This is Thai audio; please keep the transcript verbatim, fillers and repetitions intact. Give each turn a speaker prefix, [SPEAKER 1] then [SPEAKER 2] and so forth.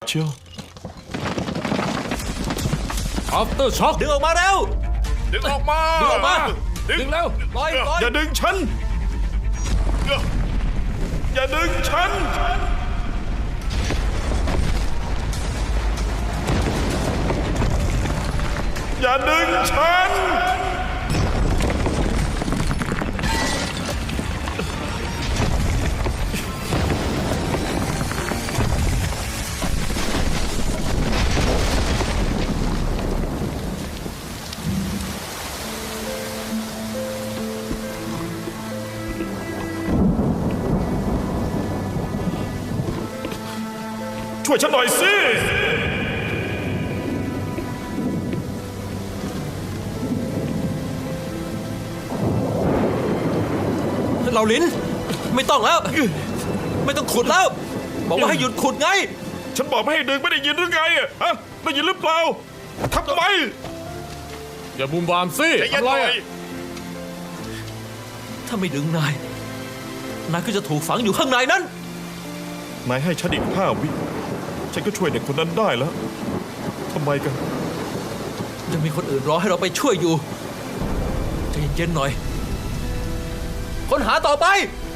[SPEAKER 1] เชียว
[SPEAKER 2] after shock
[SPEAKER 3] ดึงออกมาเร็ว
[SPEAKER 4] ดึงออกมา
[SPEAKER 2] ดึงออกมา
[SPEAKER 4] ดึ
[SPEAKER 2] ดึ
[SPEAKER 4] ง
[SPEAKER 2] งแล้ว
[SPEAKER 3] ปล่อยปล่อย
[SPEAKER 1] อย่าดึงฉัน อย่าดึงฉัน อย่าดึงฉัน ช่วยฉันหน่อยสิ
[SPEAKER 3] เราลิ้นไม่ต้องแล้ว ไม่ต้องขุดแล้ว บอกว่าให้หยุดขุดไง
[SPEAKER 1] ฉันบอกไม่ให้ดึงไม่ได้ยินหรือไงอะฮะได้ยินหรือเปล่าทำไม
[SPEAKER 2] อย่าบุมบามสิ
[SPEAKER 4] ใจเย็น
[SPEAKER 2] ทำ
[SPEAKER 4] ห
[SPEAKER 2] ไร
[SPEAKER 4] น่อ
[SPEAKER 2] อะ
[SPEAKER 4] ย
[SPEAKER 3] ถ้าไม่ดึงนาย นายก็จะถูกฝังอยู่ข้างในนั้น
[SPEAKER 1] นายให้ฉันอีกห้าวิ ฉันก็ช่วยเด็กคนนั้นได้แล้วทำไมกัน
[SPEAKER 3] ยังมีคนอื่นรอให้เราไปช่วยอยู่ใจเย็นๆหน่อย ค้นหาต่อไป